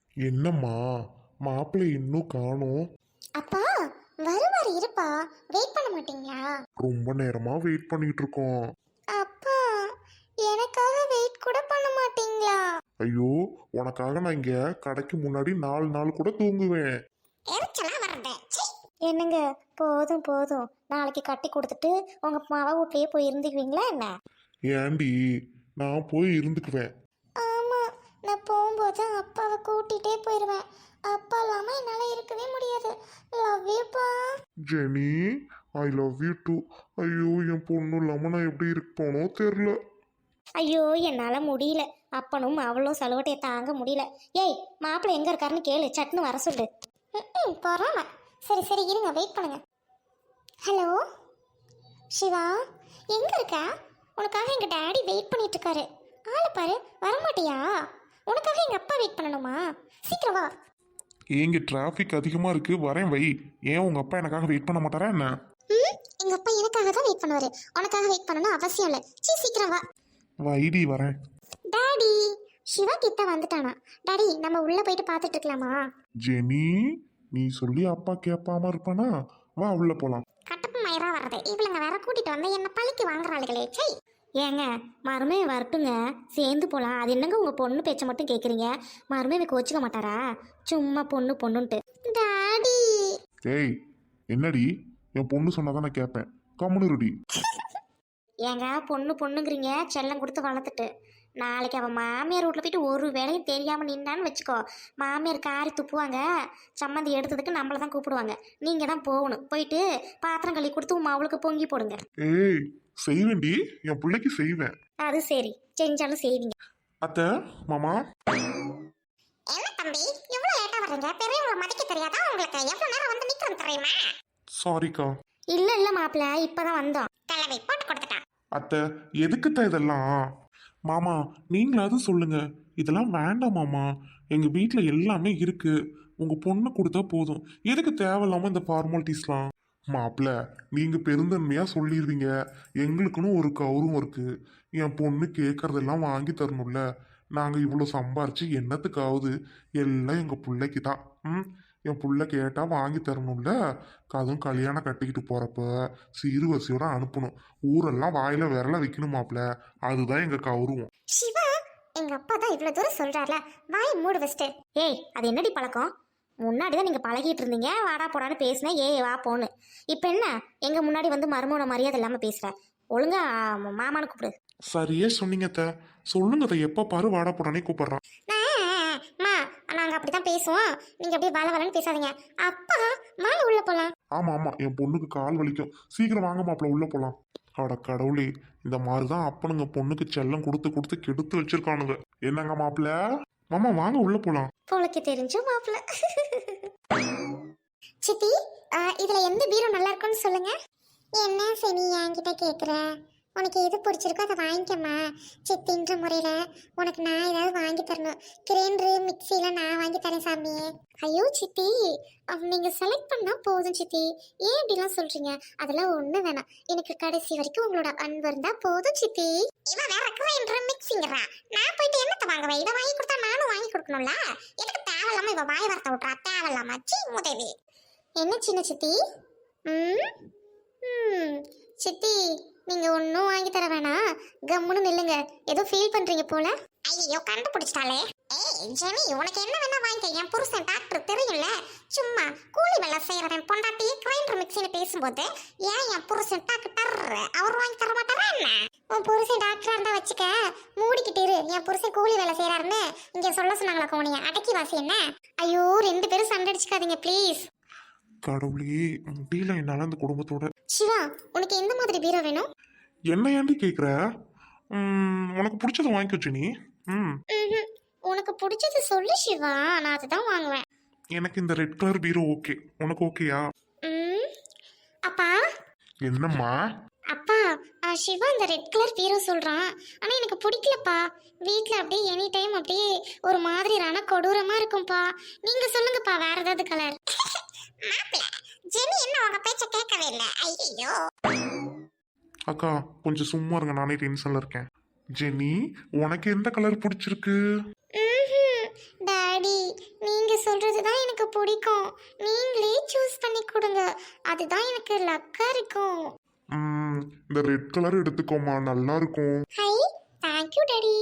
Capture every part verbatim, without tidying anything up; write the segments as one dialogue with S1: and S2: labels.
S1: என்னம்மா, மாப்பிள்ளை இன்னும் காணோம்?
S2: அப்பா வருவாரு, இருப்பா. வெயிட் பண்ண மாட்டீங்களா?
S1: ரொம்ப நேரமா வெயிட் பண்ணிட்டு இருக்கோம்.
S2: அப்பா எனக்காக வெயிட் கூட பண்ண மாட்டீங்களா?
S1: ஐயோ, உனக்காக நான் இங்க கடைக்கு முன்னாடி நாலு நாள் கூட தூங்குவேன்.
S2: எரிச்சலா வருது. சீ. என்னங்க, போதும் போதும். நாளைக்கு கட்டி கொடுத்துட்டு உங்க மாவ வீட்லயே போய் இருந்துக்குவீங்களா என்ன?
S1: ஏண்டி, நான் போய் இருந்துக்குவேன்.
S2: ஆமா, நான் போகும்போது அப்பாவை கூட்டிகிட்டே போயிடுவேன். அப்பா இல்லாமல் என்னால் இருக்கவே முடியாது. லவ் யூப்பா.
S1: Jenny, I love you too. ஐயோ, என் பொண்ணு இல்லாம நான் எப்படி இருப்போனோ தெரியல.
S2: ஐயோ, என்னால் முடியல. அப்பனும் அவளும் சலுவட்டையை தாங்க முடியல. ஏய், மாப்பிள்ளை எங்கே இருக்காருன்னு கேளு, சட்னு வர சொல்லு. ம் போகிறாம. சரி சரி இருங்க, வெயிட் பண்ணுங்க. ஹலோ சிவா, எங்கே இருக்கா? உனக்காக எங்கள் டேடி வெயிட் பண்ணிட்டு இருக்காரு. ஆளை பாரு, வரமாட்டியா? உனக்காக எங்கள் அப்பா வெயிட் பண்ணணுமா? சீக்கிரம் வா.
S1: ஏங்க, டிராஃபிக் அதிகமா இருக்கு, வரேன் வை. ஏன் உங்க அப்பா எனக்காக வெயிட் பண்ண மாட்டாரா என்ன?
S2: ம் எங்கள் அப்பா எனக்காக தான் வெயிட் பண்ணுவார். உனக்காக வெயிட் பண்ணணும் அவசியம் இல்லை. சீ, சீக்கிரம் வா.
S1: வைடி, வரேன்.
S2: டாடி, சிவா கிட்ட வந்துட்டானா? டாடி, நம்ம உள்ளே போயிட்டு பார்த்துட்டு இருக்கலாமா?
S1: ஜெனி, நீ சொல்லி அப்பா கேட்பாம இருப்பானா? வா, உள்ள போலாம்.
S2: கட்டப்பு மயிரா வர்றது இவளுங்க வேற கூட்டிட்டு வந்து என்ன பழிக்கு வாங்குறாளுகளே. சை. ஏங்க, மருமே வரட்டுங்க, சேர்ந்து போகலாம். அது என்னங்க உங்கள் பொண்ணு பேச்சை மட்டும் கேட்குறீங்க? மருமே எனக்கு வச்சுக்க மாட்டாரா? சும்மா பொண்ணு பொண்ணுன்ட்டு. டாடி.
S1: ஏய், என்னடி? என் பொண்ணு சொன்னாதான் நான் கேட்பேன். கம்முனுருடி.
S2: ஏங்க, பொண்ணு பொண்ணுங்கிறீங்க, செல்லம் கொடுத்து வளர்த்துட்டு. நாளைக்கு அவன் மாமியார் வீட்டில் போயிட்டு ஒரு வேலையும் தெரியாமல் நின்னான்னு வச்சுக்கோ, மாமியார் காரி துப்புவாங்க. சம்மந்தி எடுத்ததுக்கு நம்மளை தான் கூப்பிடுவாங்க. நீங்கள் தான் போகணும். போயிட்டு பாத்திரம் கழுவி கொடுத்து உமா அவளுக்கு பொங்கி போடுங்க.
S1: ஏய், செய்வேன்டி, என் பிள்ளைக்கு செய்வேன்.
S2: அது சரி, செஞ்சாலும் செய்வீங்க.
S1: அத்தை, மாமா.
S2: என்ன தம்பி, இவ்வளோ லேட்டாக வர்றீங்க? பெரியவங்களை மதிக்க தெரியாதா உங்களுக்கு? எவ்வளோ நேரம் வந்து நிற்கிறோம் தெரியுமா?
S1: சாரிக்கா.
S2: இல்லை இல்லை மாப்பிள்ள, இப்போ தான் வந்தோம். தலைவி போட்டு கொடுத்துட்டான்.
S1: அத்தை, எதுக்குத்தான் இதெல்லாம்? மாமா, நீங்களாவது சொல்லுங்க. இதெல்லாம் வேண்டாம் மாமா. எங்க வீட்டில் எல்லாமே இருக்கு. உங்க பொண்ணு கொடுத்தா போதும். எதுக்கு தேவையில்லாம இந்த ஃபார்மாலிட்டிஸ்லாம்? மாப்பிள்ள, நீங்க பெருந்தன்மையா சொல்லிடுவீங்க. எங்களுக்குன்னு ஒரு கௌரவம் இருக்கு. என் பொண்ணு கேட்கறதெல்லாம் வாங்கி தரணும்ல. நாங்க இவ்வளோ சம்பாரிச்சு என்னத்துக்காவது? எல்லாம் எங்க பிள்ளைக்கு தான். ம் என் புள்ள கேட்டா வாங்கி தரணும்ல. அதுவும் கல்யாணம் கட்டிக்கிட்டு போறப்ப சீர்வரிசையோட அனுப்பணும். ஊரெல்லாம் வாயில விரல வைக்கணும் மாப்பிள்ள. அதுதான் எங்க கௌரவம்.
S2: சிவா, எங்க அப்பா தான் இவ்வளவு தூரம் சொல்றாருல, வாய் மூடு வச்சுட்டு. ஏய், அது என்னடி பழக்கம்? முன்னாடி தான் நீங்க பழகிட்டு இருந்தீங்க, வாடா போடான்னு பேசினேன், ஏய் வா போன்னு. இப்போ என்ன எங்க முன்னாடி வந்து மருமோன மரியாதை இல்லாம பேசுற? ஒழுங்கா மாமான்னு கூப்பிடு.
S1: சரியே சொன்னீங்க அத்தை. சொல்லுங்க அத்தை, எப்ப பாரு வாடா போடானே கூப்பிடுறான்.
S2: மா, நாங்க அப்படிதான் பேசுவோம். நீங்க அப்படியே வள வளன்னு பேசாதீங்க. அப்பா, வாங்க உள்ள போலாம்.
S1: ஆமா ஆமா, என் பொண்ணுக்கு கால் வலிக்கும். சீக்கிரம் வாங்க மாப்பிள்ள, உள்ள போலாம். அட கடவுளே, இந்த மாதிரிதான் அப்பனுங்க பொண்ணுக்கு செல்லம் கொடுத்து கொடுத்து கெடுத்து வச்சிருக்கானுங்க. என்னங்க மாப்பிள்ள? மாமா வாங்க உள்ள போலாம்.
S2: போலக்கு தெரிஞ்சு மாப்பிள்ள. சித்தி, இதுல எந்த பீரோ நல்லா இருக்கும்னு சொல்லுங்க. என்ன சரி என்கிட்ட கேக்குற? உனக்கு எது பிடிச்சிருக்கோ அதை வாங்கிக்கம்மா. சித்தின்ற முறையில் உனக்கு நான் ஏதாவது வாங்கி தரணும். கிரைண்டரு மிக்சிலாம் நான் வாங்கி தரேன் சாமி. ஐயோ சித்தி, நீங்கள் செலக்ட் பண்ணால் போதும் சித்தி. ஏன் இப்படிலாம் சொல்கிறீங்க? அதெல்லாம் ஒன்றும் வேணாம். எனக்கு கடைசி வரைக்கும் உங்களோட அன்பு இருந்தால் போதும் சித்தி. இவன் வேற கிரைண்டரு மிக்சிங்கிறா. நான் போயிட்டு என்னத்தை வாங்குவேன்? இதை வாங்கி கொடுத்தா நானும் வாங்கி கொடுக்கணும்ல. எனக்கு தேவையில்லாமல் இவன் வாய் வார்த்தை விட்றா. தேவையில்லாம சி உதவி. என்ன சின்ன சித்தி? ம் ம் சித்தி, நீங்க ஒன்றும் வாங்கி தர வேணாம், கம்முன்னு நில்லுங்க. ஏதோ ஃபீல் பண்றீங்க போல. ஐயோ, கண்டுபிடிச்சிட்டாலே. ஏய் ஜெனி, உனக்கு என்ன வேணா வாங்கிக்க. என் புருஷன் டாக்டர் தெரியும்ல. சும்மா கூலி வேலை செய்யறவன் பொண்டாட்டி கிரைண்டர் மிக்சின்னு பேசும்போது ஏன் என் புருஷன் டாக்டர் அவர் வாங்கி தர மாட்டாரா என்ன? உன் புருஷன் டாக்டரா இருந்தா வச்சுக்க, மூடிக்கிட்டு இரு. என் புருஷன் கூலி வேலை செய்யறாருன்னு இங்க சொல்ல சொன்னாங்களா கோனிய? அடக்கி வாசி என்ன? ஐயோ, ரெண்டு பேரும் சண்டை அடிச்சுக்காதீங்க ப்ளீஸ்.
S1: கடவுளே, முடியல என்னால அந்த குடும்பத்தோட.
S2: சிவா, உனக்கு எந்த மாதிரி பீரோ வேணும்?
S1: என்ன ஏண்டி கேக்குற? உனக்கு பிடிச்சத வாங்கிக்கோ ஜெனி. ம்
S2: உனக்கு பிடிச்சது சொல்லு சிவா, நான் அதுதான் வாங்குவேன்.
S1: எனக்கு இந்த ரெட் கலர் பீரோ ஓகே. உனக்கு ஓகேயா?
S2: ம் அப்பா.
S1: என்னம்மா?
S2: அப்பா, சிவா இந்த ரெட் கலர் பீரோ சொல்றான், ஆனா எனக்கு பிடிக்கலப்பா. வீட்டில் அப்படியே எனி டைம் அப்படியே ஒரு மாதிரி ரண கொடூரமா இருக்கும்பா. நீங்க சொல்லுங்கப்பா, வேற ஏதாவது கலர். ஜெனி என்ன உங்க பேச்ச கேட்கவே இல்லை. ஐயோ
S1: அக்கா, கொஞ்சம் சும்மா இருங்க, நானே டென்ஷன்ல இருக்கேன். ஜெனி, உனக்கு எந்த கலர் பிடிச்சிருக்கு?
S2: டாடி, பிடிக்கும். நீங்களே சூஸ் பண்ணி கொடுங்க. அதுதான் எனக்கு லக்கா இருக்கும்.
S1: ம், இந்த ரெட் கலர் எடுத்துக்கோமா, நல்லா இருக்கும்.
S2: Hi, thank you daddy.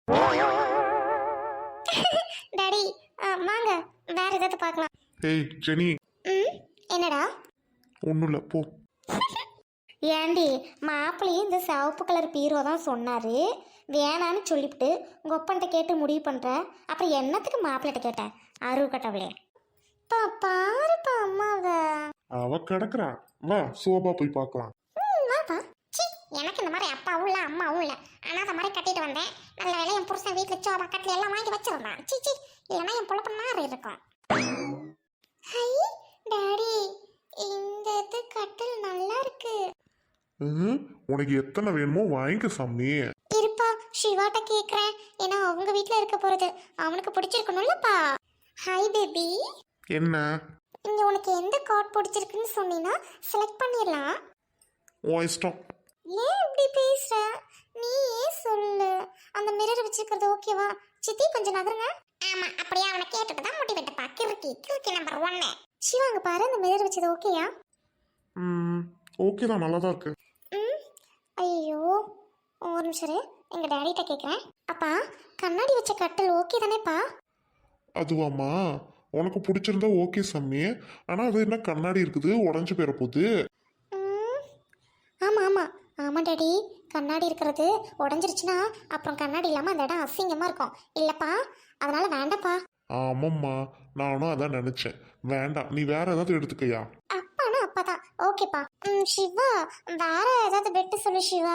S2: Daddy, வாங்க வேற ஏதாவது பார்க்கலாம்.
S1: ஏய் ஜெனி,
S2: ம், என்னடா?
S1: ஒன்றும் இல்லை, போ.
S3: ஏண்டி மாப்பிள்ளையும் இந்த சிவப்பு கலர் பீரோ தான் சொன்னார், வேணான்னு சொல்லிவிட்டு உங்கள் ஒப்பன்ட்ட கேட்டு முடிவு பண்ணுற. அப்புறம் என்னத்துக்கு மாப்பிள்ளைகிட்ட கேட்டேன்? அருவு கட்டவளே.
S2: பா பாருப்பா அம்மாவை.
S1: அவ கிடக்குறா, வா சோபா போய் பார்க்கலாம்.
S2: ம், வாப்பா. சி, எனக்கு இந்த மாதிரி அப்பாவும் இல்லை அம்மாவும் இல்லை. ஆனால் அந்த மாதிரி கட்டிட்டு வந்தேன். நல்ல வேலை என் புருஷன் வீட்டில் சோபா கட்டில் எல்லாம் வாங்கி வச்சிருந்தான். சி சி, இல்லைன்னா என் பொழப்பு மாறி இருக்கும். ஹை டாடி, இந்த இது கட்டில் நல்லா இருக்கு.
S1: ம், உனக்கு எத்தனை வேணுமோ வாங்கிக்க சாமி.
S2: இருப்பா, சிவாட்ட கேக்குறேன். ஏன்னா அவங்க வீட்ல இருக்க போறது அவனுக்கு பிடிச்சிருக்கணும்லப்பா. Hi baby.
S1: என்ன?
S2: இங்க உனக்கு எந்த கார்ட் பிடிச்சிருக்குன்னு சொன்னீங்கன்னா செலக்ட் பண்ணிடலாம்.
S1: உன் இஷ்டம்.
S2: ஏன் இப்படி பேசுற? நீ ஏன் சொல்லு. அந்த மிரர் வச்சிருக்கிறது ஓகேவா? சித்தி கொஞ்சம் நகருங்க. ஆமா, அப்படியே அவனை கேட்டுட்டு தான் முடி வெட்டப்பா. கிறுக்கி கிறுக்கி நம்பர் ஒன்னு. சிவா அங்க பாரு, அந்த மிரர் வச்சது ஓகேயா?
S1: ம், ஓகே தான், நல்லா தான் இருக்கு.
S2: ம், ஐயோ ஒரு நிமிஷம் இரு. எங்க டாடிட்ட கேக்குறேன். அப்பா, கண்ணாடி வச்ச கட்டில் ஓகே தானேப்பா?
S1: அதுவாம்மா, உனக்கு பிடிச்சிருந்தா ஓகே சாமி. ஆனால் அது என்ன கண்ணாடி இருக்குது, உடஞ்சி போயிட போகுது.
S2: ம், ஆமா ஆமா ஆமா டாடி, கண்ணாடி இருக்கிறது உடஞ்சிருச்சுன்னா அப்புறம் கண்ணாடி இல்லாம அந்த இடம் அசிங்கமா இருக்கும் இல்லப்பா. அதனால வேண்டாப்பா.
S1: ஆமாம்மா, நானும் அதான் நினச்சேன். வேண்டாம், நீ வேற ஏதாவது எடுத்துக்கையா.
S2: அப்பானா அப்பாதான் ஓகேப்பா. ம், சிவா வேற ஏதாவது பெட்டு சொல்லு சிவா.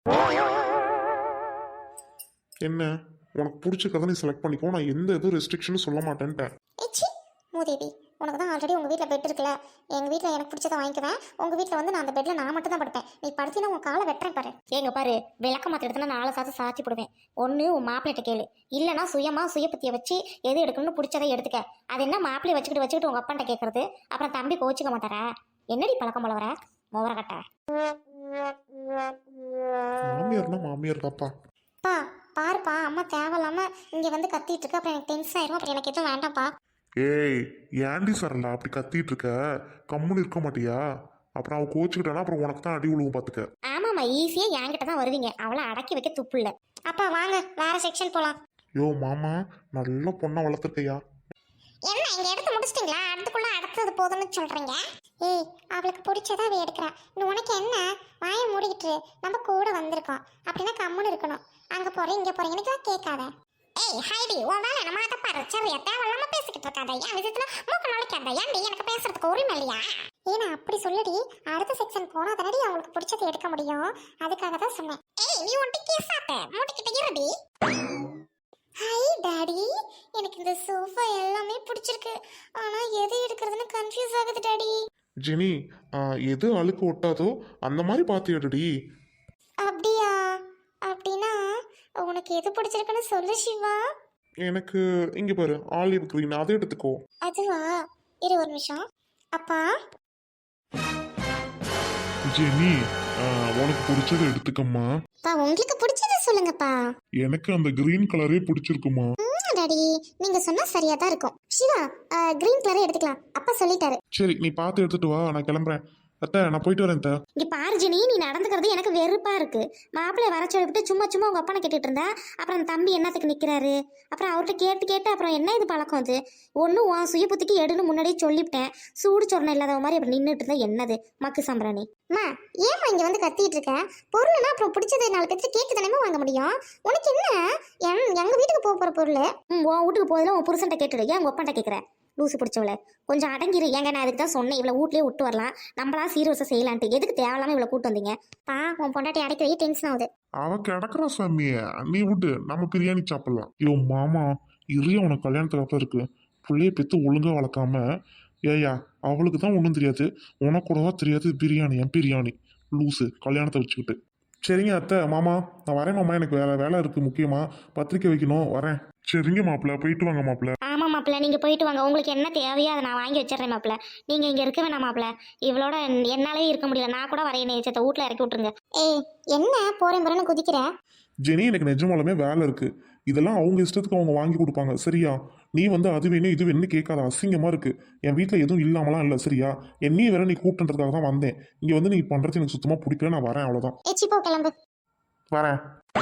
S1: என்ன, உனக்கு பிடிச்ச கதை நீ செலக்ட் பண்ணிக்கோ, நான் எந்த எதுவும் ரெஸ்ட்ரிக்ஷனும் சொல்ல மாட்டேன்ட்டேன்.
S2: ஏச்சி மூதேவி, உனக்கு தான் ஆல்ரெடி உங்கள் வீட்டில் பெட் இருக்குல்ல. எங்கள் வீட்டில் எனக்கு பிடிச்சதை வாங்கிக்குவேன். உங்கள் வீட்டில் வந்து நான் அந்த பெட்டில் நான் மட்டும் தான் படுப்பேன். நீ படுத்தினா உன் காலை வெட்டுறேன் பாரு.
S3: ஏங்க பாரு, விளக்க மாற்ற இடத்துல நாலு சாத்து சாத்தி போடுவேன். ஒன்று உன் மாப்பிள்ளைகிட்ட கேளு, இல்லைனா சுயமாக சுயபத்தியை வச்சு எது எடுக்கணும்னு பிடிச்சதை எடுத்துக்க. அது என்ன மாப்பிள்ளையை வச்சுக்கிட்டு வச்சுக்கிட்டு உங்கள் அப்பன்ட்ட கேட்கறது? அப்புறம் தம்பி கோச்சிக்க மாட்டாரா? என்னடி பழக்கம் போல வர மோவர கட்ட.
S1: மாமியார்னா மாமியார் தாப்பா.
S2: பா பாருப்பா, அம்மா தேவையில்லாம இங்கே வந்து கத்திட்டு இருக்கு. அப்புறம் எனக்கு டென்ஷன் ஆயிரும். அப்புறம் எனக்கு எதுவும் வேண்டாம்ப்பா.
S1: ஏய், ஏண்டி சரலா அப்படி கத்திட்டு இருக்க? கம்முன்னு இருக்க மாட்டியா? அப்புறம் அவ கோச்சுக்கிட்டானா அப்புறம் உனக்கு தான் அடி விழுவும் பார்த்துக்க.
S3: ஆமாம்மா, ஈஸியாக என்கிட்ட தான் வருவீங்க. அவளை அடக்கி வைக்க துப்பு இல்லை.
S2: அப்பா வாங்க வேற செக்ஷன் போகலாம்.
S1: யோ மாமா, நல்ல பொண்ணை வளர்த்துருக்கையா.
S2: என்ன இங்க எடுத்து முடிச்சிட்டீங்களா? அடுத்துக்குள்ள அடுத்தது போதும்னு சொல்றீங்க. ஏய், அவளுக்கு பிடிச்சதா அவ எடுக்கிறா. இன்னும் உனக்கு என்ன? வாயை மூடிக்கிட்டு நம்ம கூட வந்திருக்கோம் அப்படின்னா கம்முன்னு இருக்கணும். அங்க போறேன் இங்க போறீங்கன்னு கேட்காத. ஏய் ஹைடி, உன் வேலை நம்ம அதை பாரு. சரியா, தேவையில்லாம பேசிக்கிட்டு இருக்காத. என் விஷயத்துல மூக்க நுழைக்காத. ஏன்டி எனக்கு பேசுறதுக்கு உரிமை இல்லையா? ஏன்னா அப்படி சொல்லடி, அடுத்த செக்ஷன் போனா தானடி அவங்களுக்கு பிடிச்சதை எடுக்க முடியும். அதுக்காக தான் சொன்னேன். ஏய், நீ ஒன்ட்டி கேசாத்த மூடிக்கிட்டு இருடி. ஹாய் டாடி, எனக்கு இந்த சோஃபா எல்லாமே பிடிச்சிருக்கு. ஆனா எது எடுக்கிறதுன்னு கன்ஃபியூஸ் ஆகுது டாடி.
S1: ஜெனி, ஆ, எது அழுக்கு ஒட்டாதோ அந்த மாதிரி பார்த்து எடுடி.
S2: அப்படியா? அப்படின்னா உனக்கு எது பிடிச்சிருக்குன்னு சொல்லு சிவா.
S1: எனக்கு இங்க பாரு, ஆலிவ் கிரீன், அதை எடுத்துக்கோ.
S2: அதுவா? இரு ஒரு நிமிஷம். அப்பா
S1: ஜெனி, ஆ, உனக்கு பிடிச்சதை எடுத்துக்கம்மா.
S2: பா, உங்களுக்கு பிடிச்சத சொல்லுங்கப்பா.
S1: எனக்கு அந்த கிரீன் கலரே பிடிச்சிருக்குமா.
S2: ம் டாடி, நீங்க சொன்னா சரியா தான் இருக்கும். சிவா, கிரீன் கலரே எடுத்துக்கலாம். அப்பா சொல்லிட்டாரு.
S1: சரி, நீ பார்த்து எடுத்துட்டு வா, நான் கிளம்புறேன். அத்தை, நான் போயிட்டு வரேன் அத்தை.
S3: இங்கே பாரு ஜெனி, நீ நடந்துக்கிறது எனக்கு வெறுப்பாக இருக்குது. மாப்பிள்ளை வர சொல்லிவிட்டு சும்மா சும்மா உங்கள் அப்பனை கேட்டுட்டு இருந்தா அப்புறம் அந்த தம்பி என்னத்துக்கு நிற்கிறாரு? அப்புறம் அவர்கிட்ட கேட்டு கேட்டு அப்புறம் என்ன இது பழக்கம்? அது ஒன்றும் உன் சுய புத்திக்கு எடுன்னு முன்னாடியே சொல்லிவிட்டேன். சூடு சொரணை இல்லாத மாதிரி அப்படி நின்றுட்டு இருந்தா என்னது மக்கு சம்பராணி?
S2: அம்மா, ஏம்மா இங்க வந்து கத்திட்டு இருக்க? பொருள்னா அப்புறம் பிடிச்சது நாலு பேருக்கு கேட்டு தானே வாங்க முடியும். உனக்கு என்ன? என் எங்க வீட்டுக்கு போக போற பொருள்.
S3: ம், உன் வீட்டுக்கு போதில் உன் புருஷன்ட்ட கேட்டுடு. ஏன் உங்கள் அப்பன்ட்ட கேட்குற? லூசு பிடிச்சவள, கொஞ்சம் அடங்கிரு. ஏங்க, நான் அதுக்கு தான் சொன்னேன், இவ்வளோ வீட்லேயே விட்டு வரலாம், நம்மளா சீரியஸாக செய்யலான்ட்டு. எதுக்கு தேவையில்லாமல் இவ்வளோ கூட்டு வந்தீங்க?
S2: பா, உன் பொண்டாட்டி அடிக்கடி டென்ஷன் ஆகுது.
S1: அவ கிடக்குறா சாமிய, நீ விட்டு நம்ம பிரியாணி சாப்பிடலாம். ஐயோ மாமா, இறைய உனக்கு கல்யாணத்துக்கு அப்புறம் இருக்கு. பிள்ளைய பெற்று ஒழுங்கா வளர்க்காம, ஏயா அவளுக்கு தான் ஒன்றும் தெரியாது, உனக்கு கூடவா தெரியாது பிரியாணி? என் பிரியாணி லூசு கல்யாணத்தை வச்சுக்கிட்டு. சரிங்க அத்தை, மாமா நான் வரேன் மாமா, எனக்கு வேலை வேலை இருக்குது முக்கியமாக, பத்திரிக்கை வைக்கணும், வரேன். சரிங்க மாப்பிள்ள, போயிட்டு வாங்க மாப்பிள்ள.
S3: ஆமாம் மாப்பிள்ள, நீங்கள் போயிட்டு வாங்க. உங்களுக்கு என்ன தேவையோ அதை நான் வாங்கி வச்சிடுறேன் மாப்பிள்ள. நீங்கள் இங்கே இருக்க வேணாம் மாப்பிள்ள. இவளோட என்னாலே இருக்க முடியல. நான் கூட வரைய நேச்சத்தை வீட்டில் இறக்கி விட்ருங்க.
S2: ஏய், என்ன போறேன் போறேன்னு குதிக்கிற?
S1: ஜெனி, எனக்கு நிஜமாலுமே வேலை இருக்குது. இதெல்லாம் அவங்க இஷ்டத்துக்கு அவங்க வாங்கி கொடுப்பாங்க சரியா? நீ வந்து அது வேணும் இது வேணும்னு கேட்காத, அசிங்கமா இருக்கு. என் வீட்டில் எதுவும் இல்லாமலாம் இல்லை சரியா? என்னையும் வேற நீ கூப்பிட்டுறதுக்காக தான் வந்தேன். இங்க வந்து நீ பண்றது எனக்கு சுத்தமா பிடிக்கல, நான் வரேன் அவ்வளவுதான்.
S2: ஏச்சி போ கிளம்பு.
S1: வரேன்.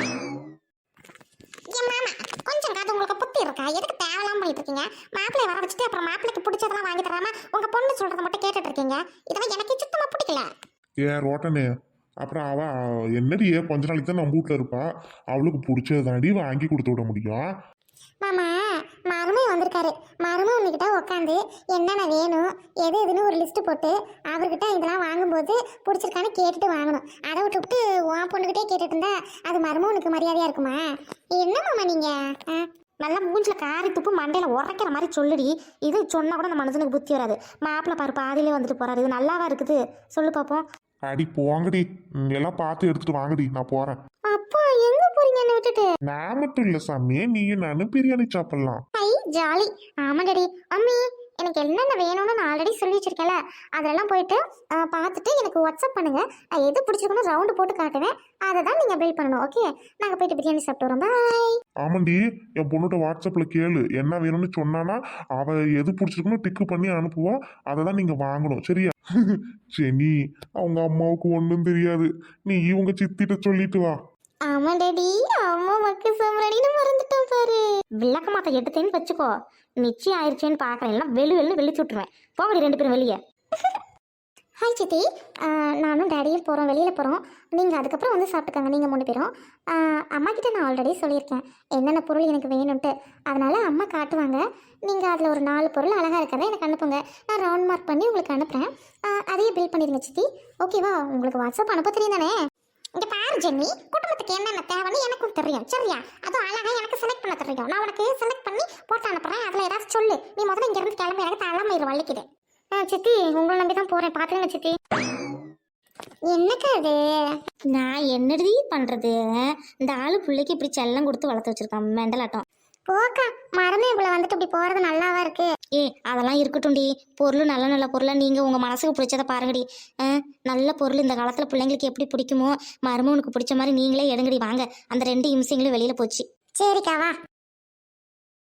S2: என் மாமா கொஞ்சம் காது உங்களுக்கு புத்தி இருக்கா? எதுக்கு தேவலாம் பண்ணிட்டு இருக்கீங்க? மாப்பிள்ளை வர வச்சுட்டு அப்புறம் மாப்பிள்ளைக்கு பிடிச்சதெல்லாம் வாங்கி தராம உங்க பொண்ணு சொல்றதை மட்டும் கேட்டுட்டு இருக்கீங்க. இதெல்லாம் எனக்கு சுத்தமா பிடிக்கல.
S1: ஏன் ரோட்டனே, அப்புறம் அவ என்னடியே கொஞ்ச நாளைக்கு தான் நம்ம வீட்டில் இருப்பா, அவளுக்கு பிடிச்சது தாண்டி வாங்கி கொடுத்து விட முடியும்.
S2: மாமா மருமை வந்திருக்காரு. மருமை உன்கிட்ட உட்காந்து என்னென்ன வேணும் எது எதுன்னு ஒரு லிஸ்ட் போட்டு அவர்கிட்ட இதெல்லாம் வாங்கும்போது பிடிச்சிருக்கான்னு கேட்டுட்டு வாங்கணும். அதை விட்டுவிட்டு உன் பொண்ணுகிட்டே கேட்டுட்டு இருந்தா அது மருமை உனக்கு மரியாதையா இருக்குமா? என்ன மாமா நீங்க ஆ?
S3: நல்லா மூஞ்சில காரி துப்பு மண்டையில உரைக்கிற மாதிரி சொல்லுடி. இது சொன்னா கூட நம்ம மனுஷனுக்கு புத்தி வராது. மாப்பிள்ளை பாரு பாதியிலே வந்துட்டு போறாரு. இது நல்லாவா இருக்குது சொல்லு பாப்போம்.
S1: அடி போங்கடி, ம், எல்லாம் பார்த்து எடுத்துட்டு வாங்கடி, நான் போறேன்.
S2: அப்பா எங்க போறீங்க என்ன விட்டுட்டு?
S1: நான் மட்டும் இல்ல சாமி, நீயும் நானும் பிரியாணி சாப்பிடலாம்.
S2: ஐ ஜாலி. ஆமா டாடி. அம்மி எனக்கு என்னென்ன வேணும்னு நான் ஆல்ரெடி சொல்லி வச்சிருக்கேன்ல, அதெல்லாம் போயிட்டு அஹ், பார்த்துட்டு எனக்கு வாட்ஸ்அப் பண்ணுங்க. நான் எது பிடிச்சிருக்கணும் ரவுண்டு போட்டு காட்டுவேன். அதை தான் நீங்கள் பில் பண்ணணும். ஓகே, நாங்கள் போயிட்டு பிரியாணி சாப்பிட்டு வரோம். பாய்.
S1: ஆமாண்டி, என் பொண்ணுகிட்ட வாட்ஸ்அப்ல கேளு என்ன வேணும்னு சொன்னானா அவ எது பிடிச்சிருக்கணும் டிக்கு பண்ணி அனுப்புவா, அதை தான் நீங்க வாங்கணும் சரியா? சரி, அவங்க அம்மாவுக்கு ஒன்றும் தெரியாது, நீ இவங்க சித்திட்ட சொல்லிட்டு வா.
S2: ஆமா டாடி, அம்மா மக்கு சமரடின்னு மறந்துட்டோம் பாரு.
S3: விளக்க மாத்த எடுத்தேன்னு வச்சுக்கோ, நிச்சயம் ஆயிடுச்சேன்னு பார்க்குறேன். எல்லாம் வெளி வெளில வெளிச்சு விட்டுருவேன். போங்கடி ரெண்டு பேரும் வெளியே.
S2: ஹாய் சித்தி. அஹ், நானும் டேடியும் போகிறோம், வெளியில் போகிறோம். நீங்கள் அதுக்கப்புறம் வந்து சாப்பிட்டுக்கோங்க நீங்கள் மூணு பேரும். அஹ், அம்மா கிட்ட நான் ஆல்ரெடி சொல்லியிருக்கேன் என்னென்ன பொருள் எனக்கு வேணும்ன்ட்டு. அதனால அம்மா காட்டுவாங்க. நீங்கள் அதில் ஒரு நாலு பொருள் அழகாக இருக்கிறத எனக்கு அனுப்புங்க. நான் ரவுண்ட் மார்க் பண்ணி உங்களுக்கு அனுப்புகிறேன். அதையே பில் பண்ணிடுங்க சித்தி. ஓகேவா? உங்களுக்கு வாட்ஸ்அப் அனுப்ப தெரியும் தானே? இங்கே பாரு ஜென்னி, குடும்பத்துக்கு என்னென்ன தேவைன்னு எனக்கும் தெரியும் சரியா? அதுவும் அழகாக எனக்கு செலக்ட் பண்ண தெரியும். நான் உனக்கு செலக்ட் பண்ணி போட்டு அனுப்புகிறேன். அதில் ஏதாச்சும் சொல்லு. நீ முதல்ல இங்கேருந்து கிளம்பி எனக்கு தலைமையில வலிக்குது. ஆ சித்தி, உங்களை நம்பி தான் போகிறேன். பார்த்துருங்க சித்தி. என்னக்கா அது?
S3: நான் என்னடி பண்றது? இந்த ஆளு பிள்ளைக்கு இப்படி செல்லம் கொடுத்து வளர்த்து வச்சிருக்கான் மெண்டலாட்டம்.
S2: போக்கா, மரமே இவ்வளோ வந்துட்டு இப்படி போகிறது நல்லாவா இருக்கு?
S3: ஏ அதெல்லாம் இருக்கட்டும்டி. பொருள் நல்ல நல்ல பொருளை நீங்கள் உங்கள் மனசுக்கு பிடிச்சதை பாருங்கடி. ஆ, நல்ல பொருள் இந்த காலத்தில் பிள்ளைங்களுக்கு எப்படி பிடிக்குமோ மருமவனுக்கு பிடிச்ச மாதிரி நீங்களே எடுங்கடி. வாங்க, அந்த ரெண்டு இம்சைங்களும் வெளியில் போச்சு.
S2: சரிக்கா வா.